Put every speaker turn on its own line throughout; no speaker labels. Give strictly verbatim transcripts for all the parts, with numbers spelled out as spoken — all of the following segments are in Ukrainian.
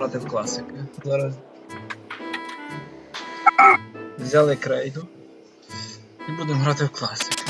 грати в класики. Зараз взяли крейду і будемо грати в класики.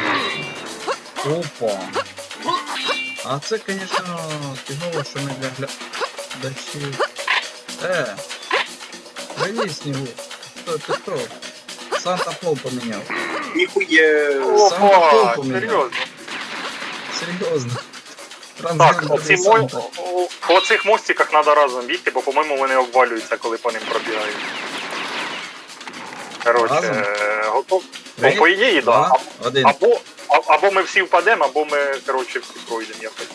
Опа! А це, звісно, фігово, що не для глядачів. Е! Привіт, Снігу! Хто ти хто? Санта Пол поміняв.
Ніхує.
Санта Пол
Опа,
поміняв.
серйозно.
Серйозно.
Так,
Трансгендерний
оці мо...
Санта.
о- по цих мостиках треба разом бігти, бо, по-моєму, вони обвалюються, коли по ним пробігають. Коротше,
Разом?
е, готов?
Три,
Ну, по ідеї, так.
два,
Да.
один.
Або, а- або ми всі впадемо, або ми, коротше, всі пройдемо якось.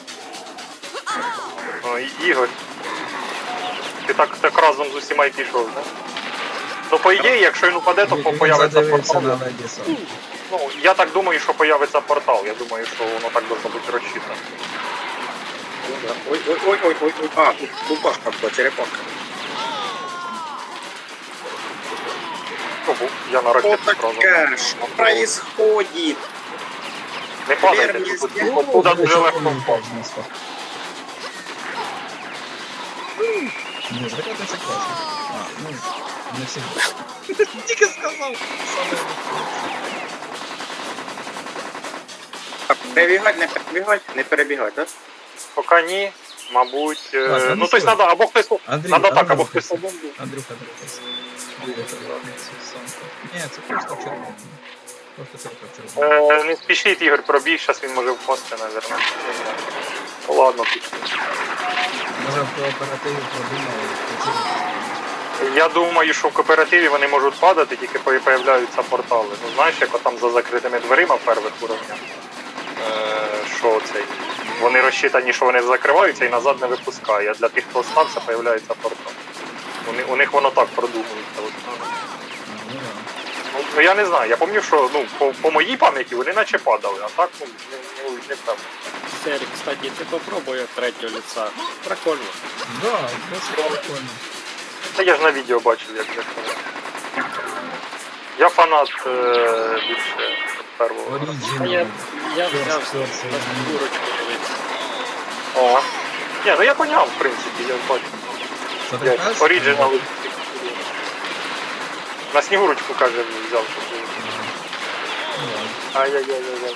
О, І- Ігор. Ти так, так разом з усіма й пішов, так? Ну, по ідеї, якщо він упаде, то
Він
появиться
задивився
портал.
на Леді Сон.
Ну, я так думаю, що появиться портал. Я думаю, що воно так должно бути розчитано.
Ой, ой, ой, ой, ой, ой. А, тут бубашка була, черепашка.
Ого, я на
Что
ракету сразу.
такое? Что происходит?
Не падайте,
Верні
тут-
з'їзди.
тут- туди дуже легко
Ні,
впасти.
Ні, ракети це класно. А, ну, не всі. Тільки сказав.
Перебігати, не перебігати, не перебігати, так?
Поки ні, мабуть. е,
Так, а ну
ну, тобто
що?
треба, або хтось.
Андрій,
Надо так,
Андрій,
або хтось
Андрій,
один.
Андрюха, дивись. Дивіться, сонце. Ні, це просто червоно. Просто тільки червоно.
Е, Не спішіть, Ігор, пробіг, зараз він може впасти, наверное. Ну, ладно, пішли.
Може в кооперативі продумали.
Я думаю, що в кооперативі вони можуть падати, тільки по- появляються портали. Ну знаєш, як там за закритими дверима в перших уровнях. Е, що цей? Вони розчитані, що вони закриваються і назад не випускає. А для тих, хто остався, появляється портал. Вони, у них воно так продумується. От.
Ну, да.
Ну, ну я не знаю, я пам'ятаю, що ну, по, по моїй пам'яті вони наче падали, а так ну, не, не, не певно.
Серик, кстати, ты попробуй от третьего лица. Прикольно.
Да, досить прикольно.
Та я ж на відео бачив, як як це. Я фанат е, більше першого.
А
Оригінал.
я, я
Перс,
взяв
перс,
на
оригінал.
фігурочку дивитися.
О. Ні, ну я поняв, в принципі, я бачу.
Це
Я
така
оригінал. На снігурочку, каже, взяв. щоб-
Ну, ладно.
Ай-яй-яй-яй.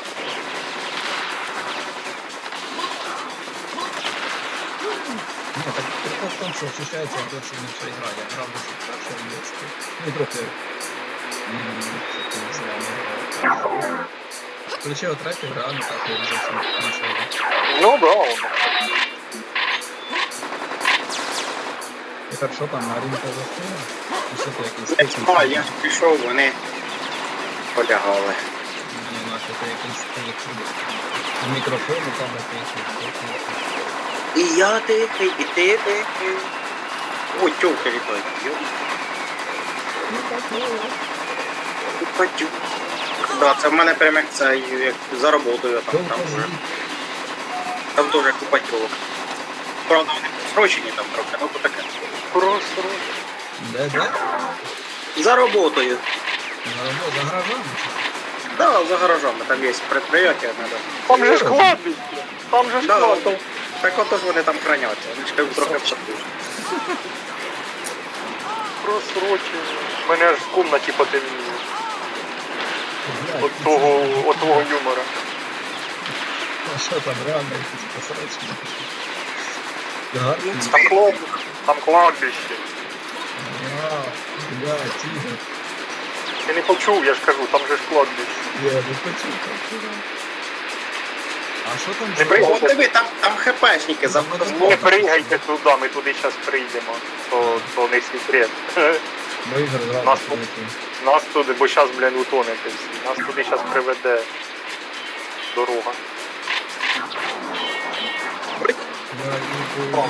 Ні, так прикол в тому, що ощущається досить інша ігра. Я грав досить перше в дитинстві. Ну, трохи... м, що ти з вами грав. Включив третю, реально так я зовсім інша гра.
Ну да, воно.
Тепер що там, Марінка застила? І що ти якийсь
Не
тиск?
знаю, я ж пішов, вони полягали.
Ні, наче ти якийсь тиск. В мікрофону там якийсь.
І я тихий, і ти тихий. Ой, тьовка літає. Купатю. Да, це в мене прям як це, як за роботою там, там вже. Там теж купатьовок. Правда, вони срочені там трохи, ну то таке.
Просто.
Де, де?
За роботою.
На роботу, за гаражами?
Да, за гаражами, там є предприятие, надо.
Там же ж кладбище. Там же ж
Да,
кладбище.
то, так ото ж вони там храняться, вони ж кажуть, трохи вшатують.
Просрочено. Мене аж в комнаті потемніло.
Блядь,
От того, от того юмора.
А що там, реально якісь посрачки? Гарні.
Там кладбище. Там кладбище.
А, блядь, тігр.
Я не почув, я ж кажу, там же ж кладбище.
Я не почув, так. А що там?
Не
за-
прийняв.
О, диви, там, там хепешники за
Там
Не
воно-
пригайте туди, ми туди зараз прийдемо. То, то не секрет.
Бо Ігор зразу
Нас
прилетів.
Нас туди, бо зараз, блін, утонете всі. Нас туди зараз приведе дорога.
Я йду,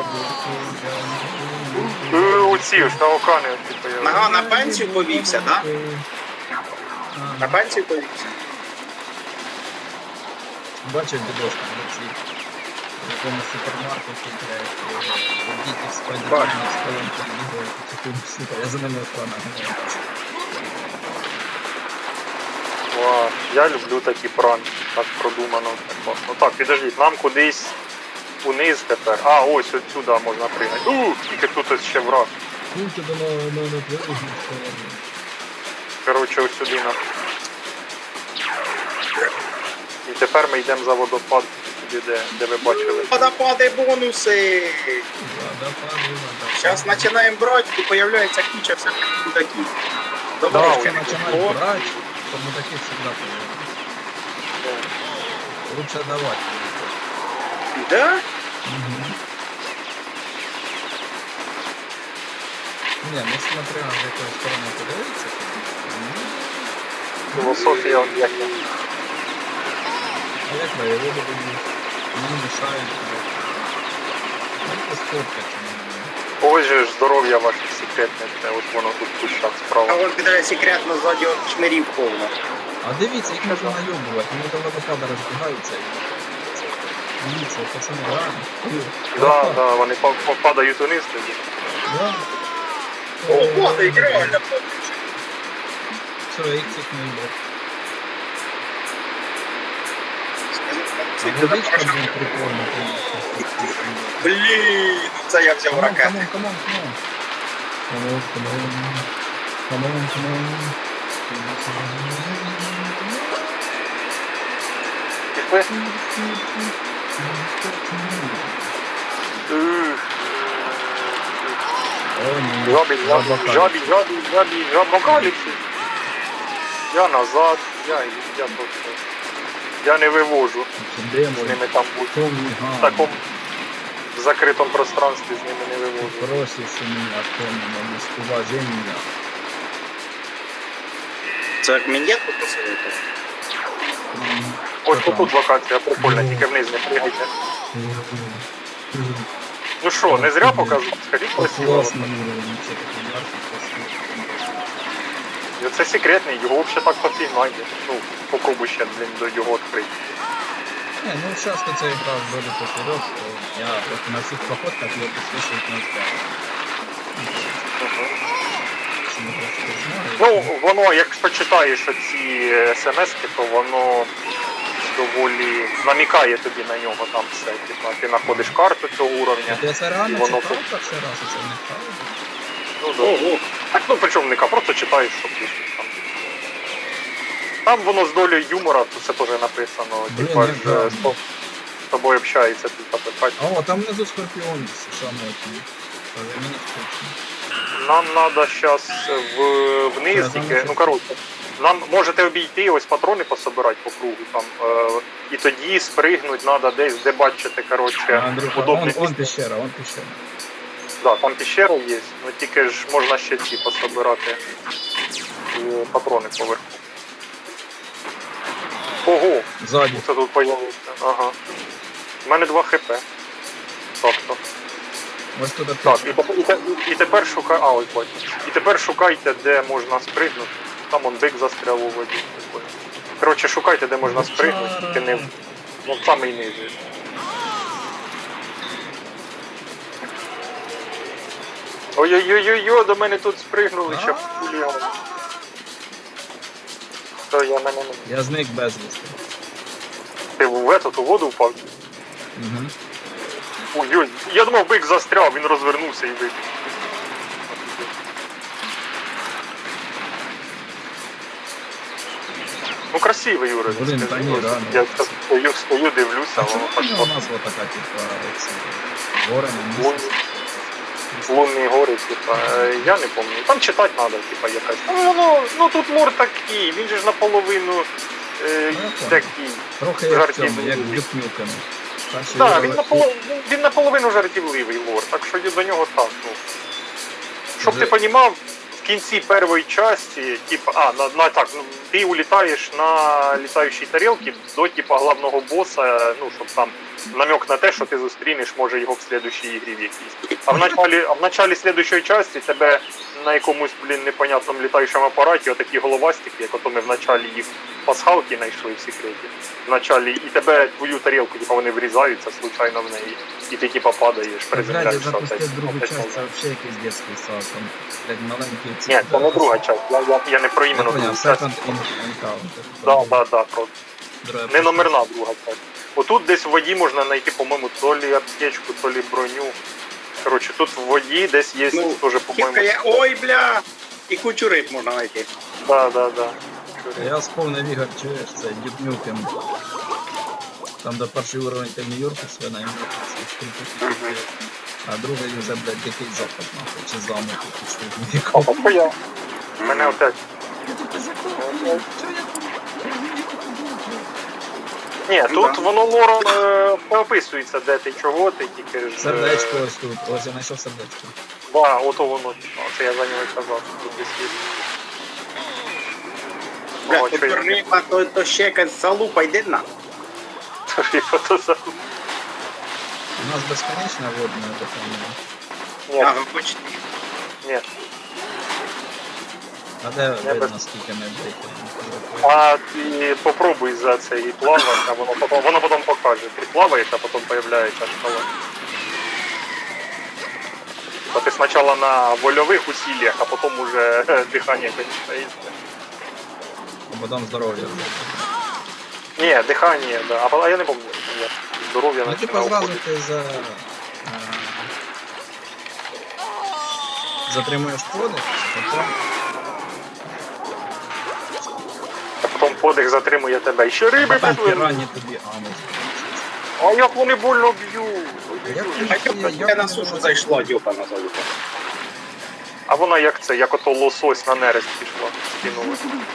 я
Е, Оці ж на окани оці появилися.
Ага, на пенсію повівся, да? На
Ага.
пенсію повівся.
Бачив відошку на цій в якомусь супермаркеті, блядь, діти в спайдермені з колонки бігають, потихоньку, сука, я за ними охрана.
Ва, я люблю такі пранки, так продумано. Так, класно. Так, підождіть, нам кудись униз тепер. А, ось отсюди можна пригати. У, тільки тут ось ще враг.
Ну, тебе на, на, на твою сторону.
Коротше, ось сюди на. І тепер ми йдемо за водопад, туди, де, де ви бачили.
Водопады, бонусы.
Водопади, водопади.
Сейчас начинаем брать, и появляется куча всяких мудаків.
Да,
Давай,
ой,
что начинать
вот.
брать, то мы таких всегда появляемся. Лучше давать.
Да?
Угу. Не, ну смотря з якої сторони подивитися, ну,
Філософія от як я.
а як воєводи будуть, мені мішають. Ну, це спорта, чи не.
Ось же ж здоров'я ваше секретне, це от воно тут в кущах
А
справа.
вот когда секретно сзади от шмирів повно.
А дивіться, їх можна найобувати, вони до водопада розбігаються. Дивіться, пацани, реально.
Да, да, вони па- па- падають униз тоді.
Да.
О, падает, реально.
Все, я їх цих не їбав.
Скажи,
А водичка, блин, прикольно, конечно.
Блін, це я взяв
Камон,
ракету.
камон, камон, камон. Камон, камон. Камон, камон.
Пішли? Ух.
О, ні.
Жабі, жабі,
Заблокали.
жабі, жабі, жабі, жабокаліпсис. Я назад, я, я просто. Я не вивожу
Де
з
мой
ними там бути.
темний
В
ган?
такому в закритому пространстві з ними не вивожу.
Просишь у меня темного неуважения.
Це як мінет посилити?
Ось тут локація прикольна, тільки вниз не пригайте. Ну що, не зря показував? Скажіть красиво.
Классный уровень, вообще такой яркий, красивый.
Це секретний, його взагалі так пофігнає. Ну, попробуй ще, блін, до його відкрити.
Не, ну сейчас ты цей играл вроде поперек, что я вот на всех походках ее подсвечивать не успел. Что мы просто знали.
Ну, воно, якщо читаєш оці смс-ки, то воно доволі намікає тобі на нього там все. Типа, ти знаходиш карту цього уровня.
Ти це
І
реально
воно
читав
тут-
перший раз, це не правда?
Ну, да.
Ого.
Так, ну причому не ка, просто читаєш, що пишуть там. Там воно з долею юмора, тут це теж написано.
Блін,
Типа,
як
ж,
гарно.
з тоб- з тобою общається, ти там питать.
О, там внизу скорпіон самотній. Мені скучно.
Нам треба зараз в, вниз
Я
тільки,
замовчу.
ну коротше, нам можете обійти, ось патрони пособирати по кругу там, е, і тоді спригнути треба десь, де бачите, коротше,
Андрюха,
удобне
он,
місце.
он пещера, он пещера.
Да, там пещера є, ну тільки ж можна ще ці пособирати е, патрони поверху. Ого,
Ззаді.
це тут появився. Ага. У мене два хп. Тобто.
Ось тут
Так,
аптечка.
і, тепер- і, те- і тепер шукай. А, ось бачу. І тепер шукайте, де можна спригнути. Там он бик застряв у воді. Коротше, шукайте, де можна спригнути, тільки не в ну, в самий низ. Ой-ой-ой-ой, до мене тут спригнули, ще пулі. То я на мене.
Я зник безвісти.
Ти в етот, у воду впав?
Угу.
Ой-ой, я думав, бик застряв, він розвернувся і вибіг. Ну красивий Юра.
Блін, та ні, реально.
Я стою, стою, дивлюся,
А
воно
чому
так
у нас вот така, типа, ці гори на
лун,
місці?
лунні гори, типа, е, я не пам'ятаю. Там читати треба, типа, якась. Ну, ну, ну тут лор такий, він же ж наполовину е,
Ну, я понял.
такий.
Трохи як в
Жартівливий.
цьому, як в Дюкнюками.
Так, він, наполов... він наполовину жартівливий лор, так що до нього так, ну. Щоб
Вже-
ти розумів, в кінці першої частини, типа, а, на, на так, ну, ти улітаєш на літаючій тарілці до типа главного боса, ну, щоб там намек на те, що ти зустрінеш, може, його в слідущій ігрі в якійсь. А в началі, а в началі слідущої частини тебе на якомусь, блін, непонятному літаючому апараті отакі головастики, як ото ми в началі їх пасхалки знайшли в секреті. В началі, і тебе, твою тарілку, типа, вони врізаються случайно в неї, і ти типа падаєш,
Блядь, я
приземляєшся.
запустив
опять-
другу
опять
часть,
назад.
це вообще якийсь детський сад, там, блядь, маленькі ці...
Ні, це не друга часть, я, я, я не про іменно
Я понял,
другу часть.
Second Encounter.
Да, да, да, про
Друга
не номерна друга часть. Отут десь в воді можна знайти, по-моєму, то лі аптечку, то лі броню. Коротше, тут в воді десь є
Ну,
теж, по-моєму.
Кілька є, ой, бля! І кучу риб можна знайти.
Да, да, да.
Я сповнив Ігор, чуєш, це Дюбнюкем. Там де перший уровень ти в Нью-Йорку свина, йому
Ага.
а другий вже, блядь, дикий запад, нахуй, чи замок, чи що в
А
Нью-Йорку.
потім я. Мене опять. Ні,
Ну,
тут
да.
воно лором е, не описується, де ти, чого ти, тільки ж... е,
Сердечко ось тут, ось я знайшов сердечко.
Да, ото воно, це я за нього і казав, що тут десь є.
Бля,
О,
то
що я-
риба, то, то ще якась залупа, йди на.
Риба то за-
У нас безконечна водна така.
Ні,
Ага, почти.
ні.
А де
Я
видно,
без-
скільки ми вдихаємо?
А ти попробуй за це і плавати, а воно потім, воно потім покаже. Ти плаваєш, а потім появляється шкала. Бо ти спочатку на вольових усиллях, а потім уже е, дихання кончається.
А потім здоров'я.
Ні, дихання, да. А, а я не пам'ятаю, як здоров'я
Ну, типа
починає
зразу
входити.
ти за... е, затримуєш подих, потім...
А потім подих затримує тебе. І ще риби
Потім
підливають.
пірані тобі анус.
А як вони больно б'ють.
Як
А
ти-
я,
як
я на
вони
сушу
вас-
зайшла, дюка на залупу.
А вона як це, як ото лосось на нерест пішла, скинула.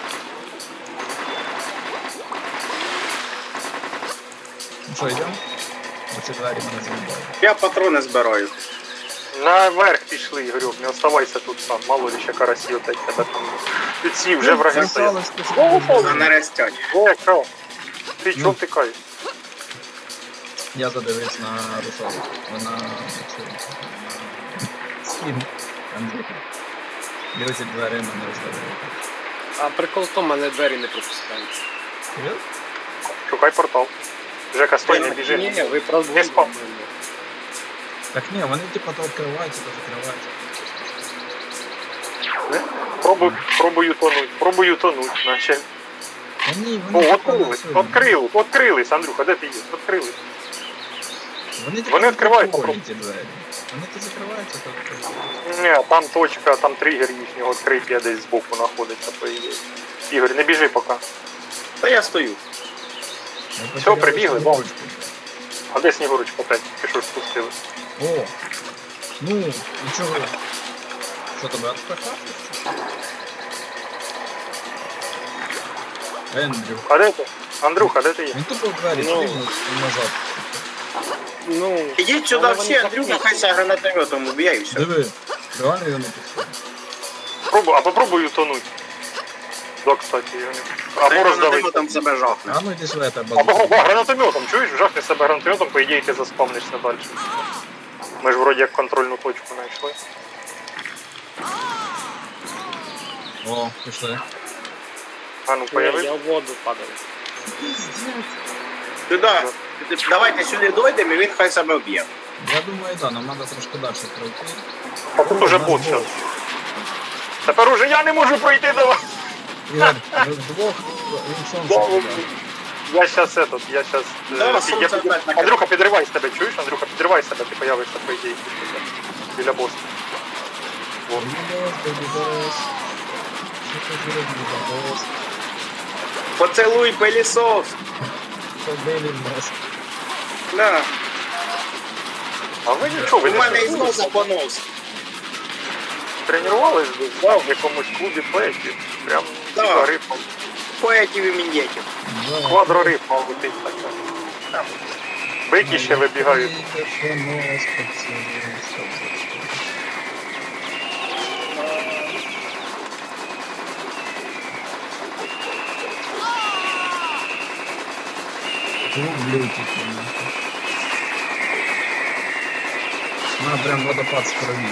Ну що, йдемо? Оці двері мене заїбали.
Я патрони збираю.
Наверх пішли, Ігорюк, не оставайся тут сам, мало ли ще карасі отець тебе там. Ці вже враги стоять.
Залишилось ти
О,
собі.
На нерестять.
Е, що? Ти
Ну.
чого втикаєш?
Я задивився на русалку. Вона... Скін. Андрюха. І оці двері мене роздавили.
А прикол в тому, мене двері не пропускають.
Серйозно?
Шукай портал. Жека, стой, не біжи.
Ні, ви правда
Не спав.
Так ні, вони типа то відкриваються, то закриваються.
Пробуй, пробую тонуть, пробую тонуть, наче.
Та ні,
О,
вони типа
відкрились,
на цьому.
відкрили, відкрились, Андрюха, де ти є? Відкрились.
Вони, типа,
Вони відкривають,
прикольні, ті двері. Вони то закриваються, то відкриваються.
Ні, там точка, там тригер їхнього відкриття десь збоку знаходиться, по ідеї. Ігор, не біжи поки.
Та я стою.
Ми
Все,
потеряли
прибігли,
свою
вон.
ручку.
А де Снігурочка опять? Ти що ж спустили?
О! Ну, і чого? Що тебе відпихати? Ендрю.
А де ти? Андрюха, де ти є?
Він тупо в двері
Ну.
стрільнув і назад.
Ну,
Ідіть сюди
але
всі,
вони
Андрюха,
закриті.
хай ся гранатометом уб'є і все.
Диви, реально його не пускає.
Пробуй, а попробуй утонуть. Да, кстати, його не... Або роздавити.
Гранатометом себе жахне.
А ну йди сюди, я тебе
Або
базу.
да, гранатометом, чуєш? Жахни себе гранатометом, по ідеї ти заспавнишся далі. Ми ж вроді як контрольну точку знайшли.
О, пішли.
А ну
Ні,
появи.
я в воду падаю.
Сюди. Давайте сюди дойдемо і він хай себе вб'є.
Я думаю, да, нам треба трошки далі пройти.
А тут уже бот зараз. Тепер уже я не можу пройти до вас.
Ігор, ви вдвох, він сонце.
Да,
піде.
Я щас этот, я щас... е,
Да,
під-
сонце
я під-
опять накрило.
Андрюха, підривай себе, чуєш? Андрюха, підривай себе, ти появишся, по ідеї, біля боса. Вот.
Бібос, бібос. Що ти зробив, бібос?
Поцелуй пилісос.
Побили нас.
Да.
А ви нічого, ви
У
не
мене із
тренувались?
носа понос.
Тренувались десь, да, в якомусь клубі поетів. Прям
Да.
ціла рифма.
Поетів і мін'єтів.
Да.
Квадрорифма летить така. Там Бики ще вибігають.
Тільки що нос поцілуй, що це? Люблю тільки нахуй. На, прям водопад з крові.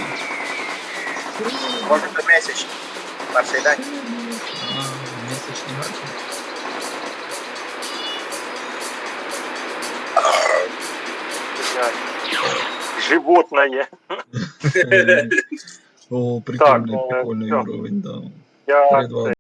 Може до місяць. Перший день.
А, місячні гарки.
Животное.
О,
Так,
прикольний,
е,
прикольний
всё.
уровень, да.
Я
Перед вами.